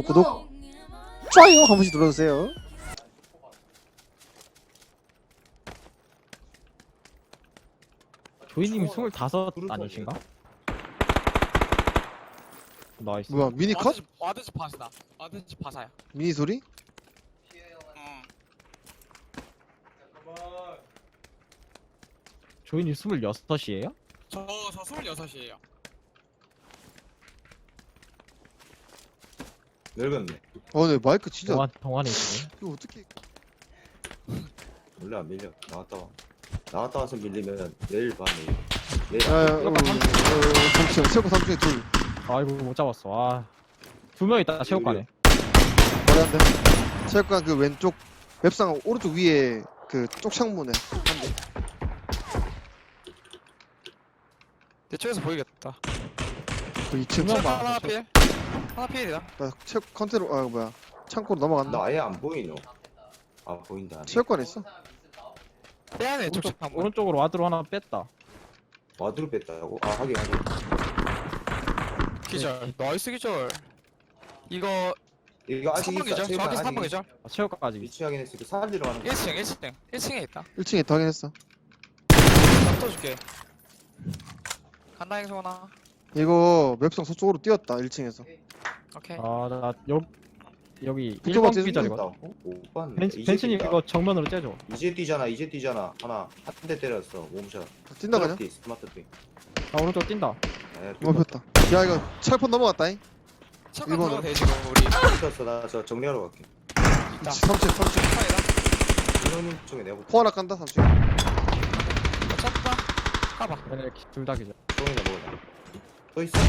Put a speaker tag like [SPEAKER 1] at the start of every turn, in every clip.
[SPEAKER 1] 구독 좋아요 한 번씩 눌러주세요.
[SPEAKER 2] 조이님이 25 아니신가? 나이스.
[SPEAKER 1] 뭐야 미니 컷?
[SPEAKER 3] 와드지 파사다. 와드지 파사야.
[SPEAKER 1] 미니 소리?
[SPEAKER 3] 응.
[SPEAKER 2] 조이님 26이에요?
[SPEAKER 3] 저 26이에요.
[SPEAKER 4] 늙었네.
[SPEAKER 1] 네 마이크 진짜
[SPEAKER 2] 동안에 있네.
[SPEAKER 1] 이거 어떻게
[SPEAKER 4] 원래 안 밀려. 나왔다 와서 밀리면 내일 봐 내일.
[SPEAKER 1] 야야 잠시만 체육관 3중에 둘
[SPEAKER 2] 아이고 못 잡았어. 아. 2명 있다 체육관에.
[SPEAKER 1] 머리 한대 체육관 그 왼쪽 웹상 오른쪽 위에 그 쪽창문에 한대.
[SPEAKER 3] 대충에서 보이겠다.
[SPEAKER 1] 그 2층
[SPEAKER 2] 분명 봐.
[SPEAKER 3] 하나 필. 하나 필이다.
[SPEAKER 1] 나 체육 컨테로 뭐야 창고로 넘어간다.
[SPEAKER 4] 나 아예 안 보이노. 아 보인다.
[SPEAKER 1] 체육관에 있어?
[SPEAKER 3] 빼야네 쪽 한번.
[SPEAKER 2] 오른쪽으로 와드로 하나 뺐다.
[SPEAKER 4] 와드로 뺐다고? 아 하긴.
[SPEAKER 3] 기절. 나이스 기절. 이거
[SPEAKER 4] 이거 아직
[SPEAKER 3] 3번 기절. 정확히 3번 기절.
[SPEAKER 2] 아, 체육관까지.
[SPEAKER 4] 위치 확인했을 때 살리러 가는 거.
[SPEAKER 3] 1층에 있다.
[SPEAKER 1] 1층에 있다 확인했어.
[SPEAKER 3] 나 떠줄게. 간다 행성아.
[SPEAKER 1] 이거 웹상 서쪽으로 뛰었다 1층에서.
[SPEAKER 3] 오케이.
[SPEAKER 2] 아나 여기
[SPEAKER 1] 붙어봐,
[SPEAKER 2] 1번
[SPEAKER 1] 쟤
[SPEAKER 2] 기절이거든.
[SPEAKER 4] 어? 못 봤네.
[SPEAKER 2] 벤츠님 이거 정면으로 째줘.
[SPEAKER 4] 이제 뛰잖아. 하나 한 대 때렸어. 몸샷.
[SPEAKER 1] 뛴다 그냥?
[SPEAKER 4] 스마트 띠.
[SPEAKER 2] 아 오른쪽 뛴다.
[SPEAKER 1] 멈췄다. 야 이거 철폰 넘어갔다잉.
[SPEAKER 3] 잠깐
[SPEAKER 1] 일본은?
[SPEAKER 3] 들어가 돼 지금 우리.
[SPEAKER 4] 떴어. 나 저 정리하러 갈게.
[SPEAKER 3] 있다.
[SPEAKER 1] 3층
[SPEAKER 3] 차이다.
[SPEAKER 4] 이노님 쪽에 내가
[SPEAKER 1] 포 하나 깐다 3층.
[SPEAKER 3] 쳤다. 가봐.
[SPEAKER 2] 둘 다 기절.
[SPEAKER 4] 똥이나 먹어라. 또 있어?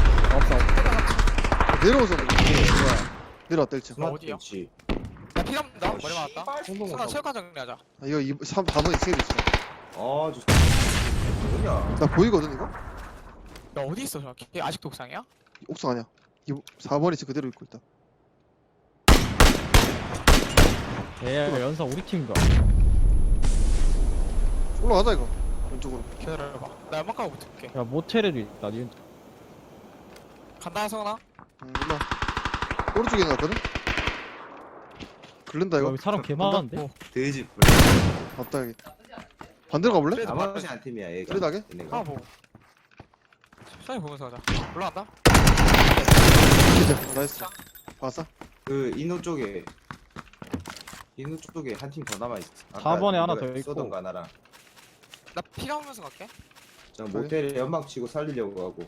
[SPEAKER 2] 없어.
[SPEAKER 1] 내려오서 내려왔다 1층.
[SPEAKER 4] 스마트
[SPEAKER 3] 어디야?
[SPEAKER 4] 벤치.
[SPEAKER 3] 나 피가 나
[SPEAKER 4] 어,
[SPEAKER 3] 머리 맞았다.
[SPEAKER 4] 씨발,
[SPEAKER 3] 선아 체육관 정리하자.
[SPEAKER 1] 아, 이거 4번 2층에 있어.
[SPEAKER 4] 아, 저 뭐냐?
[SPEAKER 1] 나 보이거든 이거?
[SPEAKER 3] 야 어디 있어 정확히? 아직도 옥상이야?
[SPEAKER 1] 옥상 아니야. 4번이 지금 그대로 있고 있다.
[SPEAKER 2] 얘 연사 우리 팀인가?
[SPEAKER 1] 올라가자 이거. 왼쪽으로.
[SPEAKER 3] 기다려봐. 나 연막 가고 붙을게.
[SPEAKER 2] 야 모텔에도 있다. 니
[SPEAKER 3] 간다 성아.
[SPEAKER 1] 일로 와. 오른쪽에 나왔거든? 긁는다 이거?
[SPEAKER 2] 여기 사람 개 많은데?
[SPEAKER 4] 돼지 뿔.
[SPEAKER 1] 맞다 여기. 반대로 가볼래?
[SPEAKER 3] 그래도
[SPEAKER 4] 나머지 한 팀이야, 얘가.
[SPEAKER 1] 그래도 하게?
[SPEAKER 4] 얘네가.
[SPEAKER 3] 아 뭐. 천천히 보면서 가자. 올라간다.
[SPEAKER 1] 기절. 나이스. 봤어?
[SPEAKER 4] 그 인호 쪽에 한 팀 더 남아 있어.
[SPEAKER 2] 4번에 하나 더 있고.
[SPEAKER 4] 쏘던가 나랑.
[SPEAKER 3] 나 피가 오면서 갈게.
[SPEAKER 4] 저 모텔에 연막 치고 살리려고 하고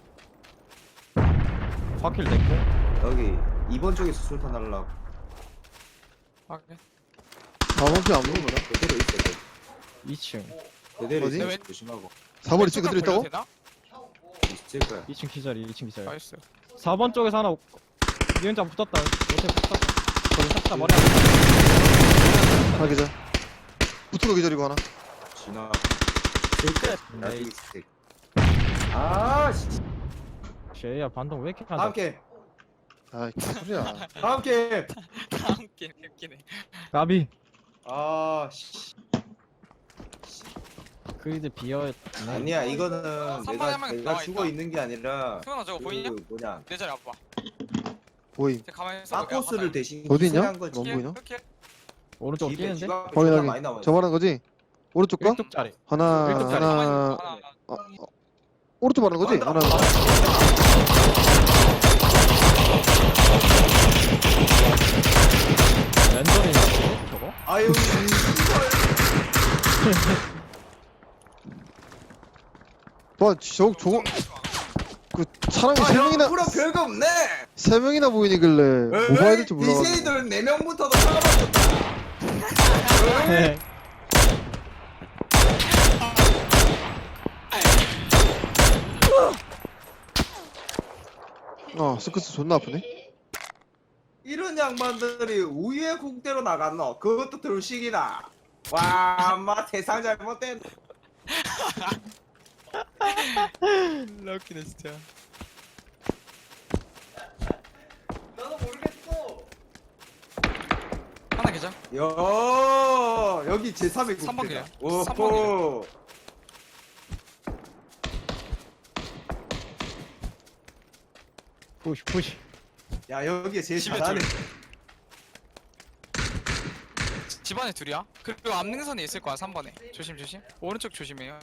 [SPEAKER 2] 바퀴를 냈고.
[SPEAKER 4] 여기 2번 쪽에서 술탄 날라고.
[SPEAKER 3] 오케이.
[SPEAKER 1] 4번 피안 보는 거다.
[SPEAKER 4] 그대로 있어.
[SPEAKER 2] 2층.
[SPEAKER 4] 그대로
[SPEAKER 1] 어디?
[SPEAKER 4] 있어.
[SPEAKER 3] 네,
[SPEAKER 4] 조심하고.
[SPEAKER 1] 4번 2층 그대로 있다고?
[SPEAKER 3] 되나?
[SPEAKER 4] 있을 거야.
[SPEAKER 2] 2층 기절이 2층 기절.
[SPEAKER 3] 나이스.
[SPEAKER 2] 4번 쪽에서 하나 니은자 붙었다. 모텔 붙었다. 거기 싹다 머리
[SPEAKER 1] 하나 기절. 붙은 기절이고 하나.
[SPEAKER 4] 진화.
[SPEAKER 2] 끝.
[SPEAKER 4] 나중에 스택. 아, 씨.
[SPEAKER 2] 쉐야 반동 왜 이렇게
[SPEAKER 4] 다음
[SPEAKER 2] 한다?
[SPEAKER 4] 게임.
[SPEAKER 1] 아이 개소리야.
[SPEAKER 4] 다음 게임.
[SPEAKER 3] 다음 게임 웃기네.
[SPEAKER 2] 까비.
[SPEAKER 4] 아, 씨.
[SPEAKER 2] 그이들 비어있네.
[SPEAKER 4] 아니야, 이거는
[SPEAKER 3] 선방에 한 명이
[SPEAKER 4] 내가
[SPEAKER 3] 나와
[SPEAKER 4] 죽어
[SPEAKER 3] 있다.
[SPEAKER 4] 있는 게 아니라
[SPEAKER 3] 성아 저거 보이냐?
[SPEAKER 4] 그 뭐냐?
[SPEAKER 3] 내 자리 와봐.
[SPEAKER 1] 보임.
[SPEAKER 3] 제 가만히 있어.
[SPEAKER 4] 사코스를 대신
[SPEAKER 1] 어디 있냐?
[SPEAKER 4] 희생한 거지.
[SPEAKER 1] 안 보이나?
[SPEAKER 3] 이렇게.
[SPEAKER 2] 오른쪽
[SPEAKER 4] 집에
[SPEAKER 2] 뛰는데?
[SPEAKER 4] 집 앞에
[SPEAKER 1] 확인
[SPEAKER 4] 존나
[SPEAKER 1] 확인.
[SPEAKER 4] 많이 나와 있어.
[SPEAKER 1] 저 말하는 거지? 오른쪽 거?
[SPEAKER 2] 1쪽짜리.
[SPEAKER 1] 하나
[SPEAKER 2] 일곱 자리.
[SPEAKER 1] 하나 오른쪽 말하는 거지? 하나
[SPEAKER 2] 랜덤이나 저거?
[SPEAKER 4] 아유,
[SPEAKER 1] 와 저거 그 사람이 세 명이나
[SPEAKER 4] 프로 별거 없네.
[SPEAKER 1] 세 명이나 보이니길래 뭐 봐야 될지 몰라.
[SPEAKER 4] DJ들 4명부터도 살아봤었다.
[SPEAKER 2] 네.
[SPEAKER 1] 스크스 존나 아프네.
[SPEAKER 4] 이런 양반들이 우유의 국대로 나갔노. 그것도 들식이다. 와, 엄마 세상 잘못된.
[SPEAKER 3] 웃기네 진짜.
[SPEAKER 4] 나도 모르겠어.
[SPEAKER 3] 하나 계좌.
[SPEAKER 4] 여기 제3의 국대다.
[SPEAKER 3] 3번 그냥.
[SPEAKER 4] 오호.
[SPEAKER 2] 푸시 푸시.
[SPEAKER 4] 야 여기에 제일
[SPEAKER 3] 집에
[SPEAKER 4] 잘하네.
[SPEAKER 3] 집안에 둘이야? 그리고 앞능선에 있을 거야 3번에. 조심 조심. 오른쪽 조심해요.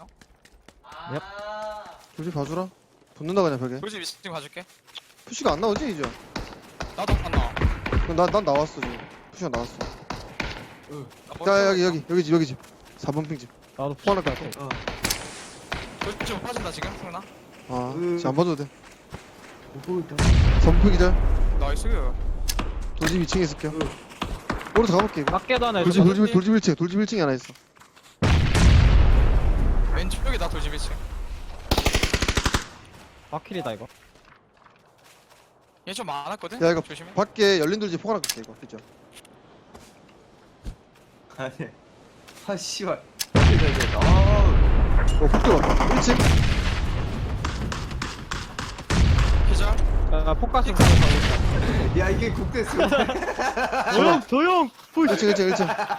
[SPEAKER 1] 조지 봐주라. 붙는다 그냥 벽에.
[SPEAKER 3] 돌집 2층 봐줄게.
[SPEAKER 1] 푸시가 안 나오지 이제.
[SPEAKER 3] 나도 안 나와.
[SPEAKER 1] 그럼 난 나왔어 지금. 푸시가 나왔어.
[SPEAKER 3] 나
[SPEAKER 1] 자
[SPEAKER 3] 머리
[SPEAKER 1] 여기 집. 4번 핑 집.
[SPEAKER 2] 나도
[SPEAKER 1] 포함할 것 같아.
[SPEAKER 3] 돌집 못 빠진다 지금 승훈아.
[SPEAKER 1] 아 지금 안 봐도 돼.
[SPEAKER 4] 못 보겠다.
[SPEAKER 1] 4번 핑 기절.
[SPEAKER 3] 나이스.
[SPEAKER 1] 돌집 2층에 있을게요. 오른쪽 가볼게 이거.
[SPEAKER 2] 밖에도 하나
[SPEAKER 1] 돌집
[SPEAKER 2] 있어.
[SPEAKER 1] 돌집 1층. 돌집 1층에 하나 있어.
[SPEAKER 3] 왼쪽에 나 돌집 2층.
[SPEAKER 2] 바퀴리다 이거.
[SPEAKER 3] 얘 좀 많았거든?
[SPEAKER 1] 야, 이거
[SPEAKER 3] 조심해.
[SPEAKER 1] 밖에 열린 돌집 포괄 할게 이거. 그죠?
[SPEAKER 4] 아니. 아 씨발. 아.
[SPEAKER 1] 북 들어왔다. 1층.
[SPEAKER 3] 기절.
[SPEAKER 2] 야 포커스 가고 있다.
[SPEAKER 4] 야 이게 국대수.
[SPEAKER 2] 조용. 푸시.
[SPEAKER 1] 1층.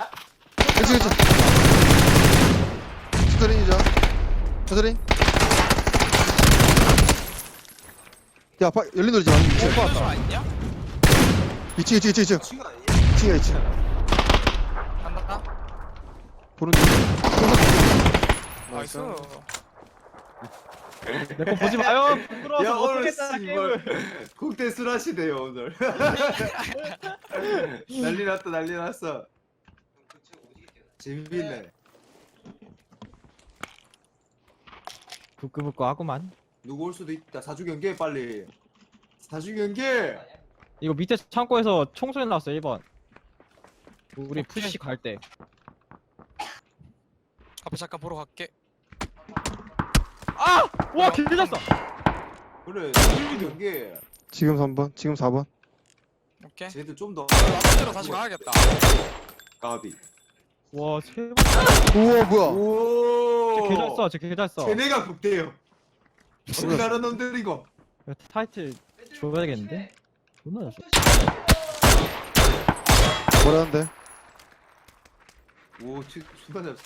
[SPEAKER 1] 스터링이죠. 스터링. 야, 열린 돌집 아니 2층.
[SPEAKER 3] 오빠 좀 아니냐?
[SPEAKER 1] 2층.
[SPEAKER 4] 친구 아니야?
[SPEAKER 1] 2층이야 2층.
[SPEAKER 3] 간다.
[SPEAKER 1] 보는 중.
[SPEAKER 3] 나이스.
[SPEAKER 2] 내 거 보지 마요. 부끄러워서
[SPEAKER 4] 야 오늘
[SPEAKER 2] 못하겠다 게임을.
[SPEAKER 4] 씨발 국대술 하시네요 오늘. 난리 났어. 재밌네.
[SPEAKER 2] 부끄부끄 하구만.
[SPEAKER 4] 누구 올 수도 있다. 사주 경계 빨리. 사주 경계.
[SPEAKER 2] 이거 밑에 창고에서 총소리 나왔어 1번. 우리
[SPEAKER 3] 오케이.
[SPEAKER 2] 푸시 갈 때.
[SPEAKER 3] 앞에 잠깐 보러 갈게.
[SPEAKER 2] 아! 와 길졌어.
[SPEAKER 4] 그래. 사주 경계.
[SPEAKER 1] 지금 3번, 지금 4번.
[SPEAKER 3] 오케이.
[SPEAKER 4] 쟤들 좀 더.
[SPEAKER 3] 앞으로 다시 가야겠다.
[SPEAKER 4] 까비.
[SPEAKER 2] 와 세.
[SPEAKER 1] 우와, 뭐야.
[SPEAKER 4] 오.
[SPEAKER 2] 개잘써. 쟤 개잘써.
[SPEAKER 4] 쟤네가 국대요. 어느 나라 놈들이고.
[SPEAKER 2] 타이틀 줘야겠는데? 존나 잘써.
[SPEAKER 1] 뭐라는데?
[SPEAKER 4] 오, 순간 잡.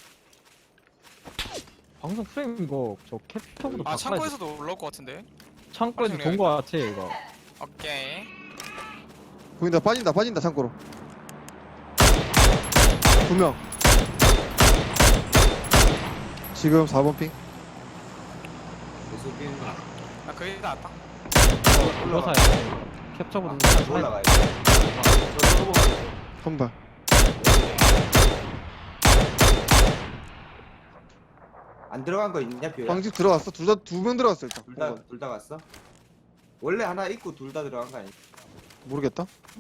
[SPEAKER 2] 방송 프레임 이거 저 캡처보다
[SPEAKER 3] 아
[SPEAKER 2] 바꿔야 돼.
[SPEAKER 3] 창고에서도 올라올 것 같은데.
[SPEAKER 2] 창고에서 본 거 같아 이거.
[SPEAKER 3] 오케이.
[SPEAKER 1] 보인다, 빠진다, 창고로. 2명. 지금 4번 핑.
[SPEAKER 4] 계속 비는 거.
[SPEAKER 3] 나 그게 나왔다.
[SPEAKER 2] 이거 사야 돼. 캡처보다 사야 돼.
[SPEAKER 4] 올라가야 돼.
[SPEAKER 1] 한 발.
[SPEAKER 4] 안 들어간 거 있냐, 뷰야?
[SPEAKER 1] 방집 들어갔어. 두 명 들어갔어, 일단.
[SPEAKER 4] 둘 다 갔어? 원래 하나 있고 둘 다 들어간 거 아니야?
[SPEAKER 1] 모르겠다.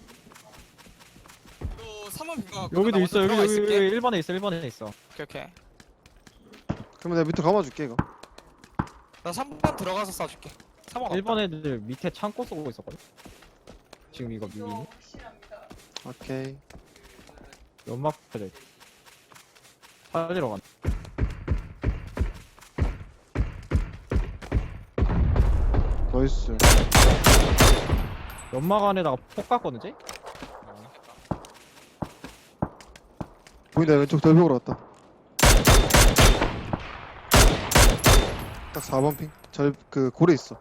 [SPEAKER 3] 또 3번 빈거
[SPEAKER 2] 여기도 있어. 여기 1번에 있어. 1번에 있어.
[SPEAKER 3] 오케이.
[SPEAKER 1] 그러면 내가 밑에 감아줄게, 이거.
[SPEAKER 3] 나 3번 들어가서 쏴줄게. 3번
[SPEAKER 2] 1번 애들 밑에 창고 쏘고 있었거든. 지금 이거 미니
[SPEAKER 1] 오케이.
[SPEAKER 2] 연막 패드 살리러 간.
[SPEAKER 1] 나이스.
[SPEAKER 2] 연막 안에다가 폭 갔거든 쟤?
[SPEAKER 1] 보인다, 왼쪽 돌벽으로 왔다. 딱 4번 핑. 그 고래 있어.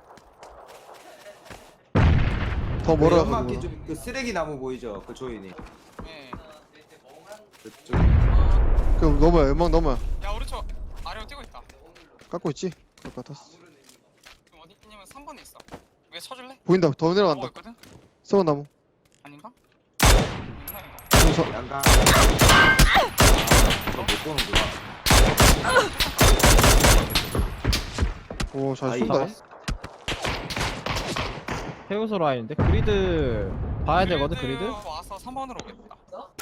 [SPEAKER 1] 더 멀어.
[SPEAKER 4] 연막기 좀그 쓰레기 나무 보이죠? 그 조인이.
[SPEAKER 3] 네.
[SPEAKER 4] 그쪽.
[SPEAKER 1] 그럼 넘어야, 연막 넘어야.
[SPEAKER 3] 야 오른쪽 아래로 뛰고 있다.
[SPEAKER 1] 깎고 있지? 그럴 것 같았어.
[SPEAKER 3] 지금 어디 있냐면 3번에 있어. 위에 쳐줄래?
[SPEAKER 1] 보인다, 더 내려간다.
[SPEAKER 3] 있거든?
[SPEAKER 1] 썩은 나무.
[SPEAKER 3] 아닌가? 있나 이거?
[SPEAKER 1] 지금
[SPEAKER 4] 양가. 못 보는구나.
[SPEAKER 1] 오, 잘
[SPEAKER 4] 아이,
[SPEAKER 1] 쏜다.
[SPEAKER 2] 해우소 라인인데 그리드 봐야 되거든 그리드.
[SPEAKER 3] 와서 3번으로 오겠다.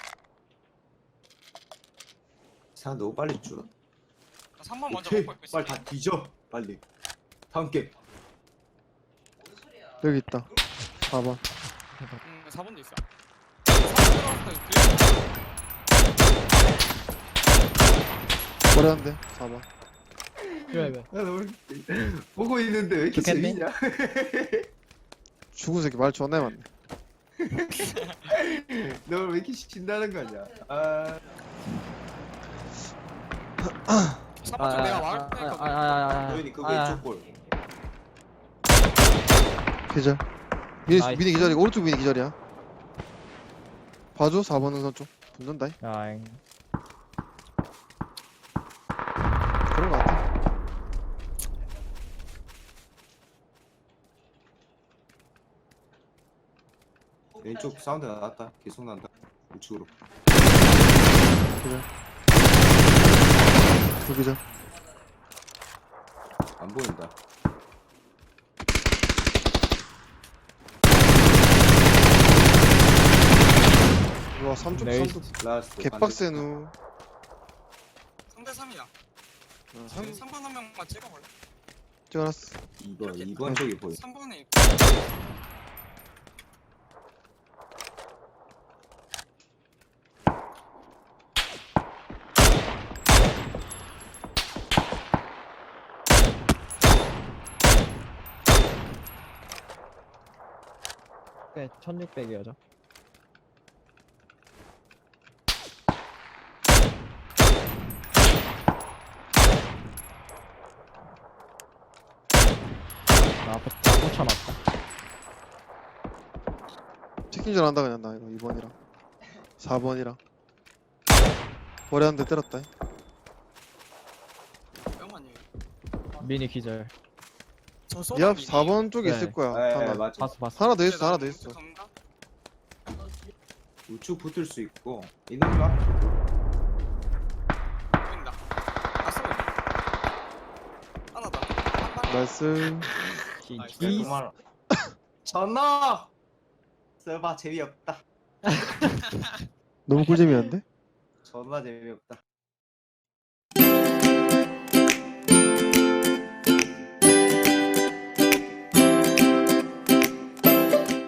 [SPEAKER 4] 사 너무 빨리 줄어.
[SPEAKER 3] 나 3번 먼저
[SPEAKER 4] 오케이.
[SPEAKER 3] 먹고 있고 있어.
[SPEAKER 4] 빨리 다 뒤져. 빨리. 다음 게임.
[SPEAKER 1] 여기 있다. 4번.
[SPEAKER 3] 4번도 있어. 4번 들어갔을
[SPEAKER 1] 머리한데 4번.
[SPEAKER 2] 왜?
[SPEAKER 4] 보고 있는데 왜 이렇게
[SPEAKER 2] 좋겠네.
[SPEAKER 4] 재밌냐?
[SPEAKER 1] 죽은 새끼 말 존나 많네.
[SPEAKER 4] 너 왜 이렇게 신나는 거냐? 아.
[SPEAKER 3] 3번 쪽 내가 막을 테니까.
[SPEAKER 4] 조인이 그 왼쪽 골.
[SPEAKER 1] 계절.
[SPEAKER 2] 나이스.
[SPEAKER 1] 미니 기절이고 오른쪽 미니 기절이야. 봐줘 4번 능선 쪽 붙는다.
[SPEAKER 2] 야잉.
[SPEAKER 1] 그런 거 같아.
[SPEAKER 4] 왼쪽 사운드 나왔다. 계속 난다. 우측으로.
[SPEAKER 1] 두 기절.
[SPEAKER 4] 안 보인다.
[SPEAKER 1] 와 3쪽
[SPEAKER 2] 네이스.
[SPEAKER 1] 3쪽
[SPEAKER 4] 라스트.
[SPEAKER 1] 개빡센 후.
[SPEAKER 3] 3대 3이야. 3번 한 명만 찍어볼래?
[SPEAKER 1] 찍어놨어.
[SPEAKER 4] 2번 쪽이 보여.
[SPEAKER 3] 3번에
[SPEAKER 2] 꽤 1600이어죠. 나 붙여놨다.
[SPEAKER 1] 치킨전 한다 그냥 나 이거 2번이랑 4번이랑 머리 한 대 때렸다.
[SPEAKER 3] 명만이.
[SPEAKER 2] 미니 기절.
[SPEAKER 1] 니 앞 4번 쪽에
[SPEAKER 2] 네.
[SPEAKER 1] 있을 거야.
[SPEAKER 4] 네,
[SPEAKER 1] 하나.
[SPEAKER 4] 맞아.
[SPEAKER 2] 봤어.
[SPEAKER 1] 하나 더 있어. 하나 더 있어.
[SPEAKER 4] 우측 붙을 수 있고. 있는 거?
[SPEAKER 3] 보인다. 하나 더.
[SPEAKER 1] 나이스.
[SPEAKER 2] 기.
[SPEAKER 4] 전화. 써봐 재미없다.
[SPEAKER 1] 너무 꿀잼이었는데?
[SPEAKER 4] 전화 재미없다.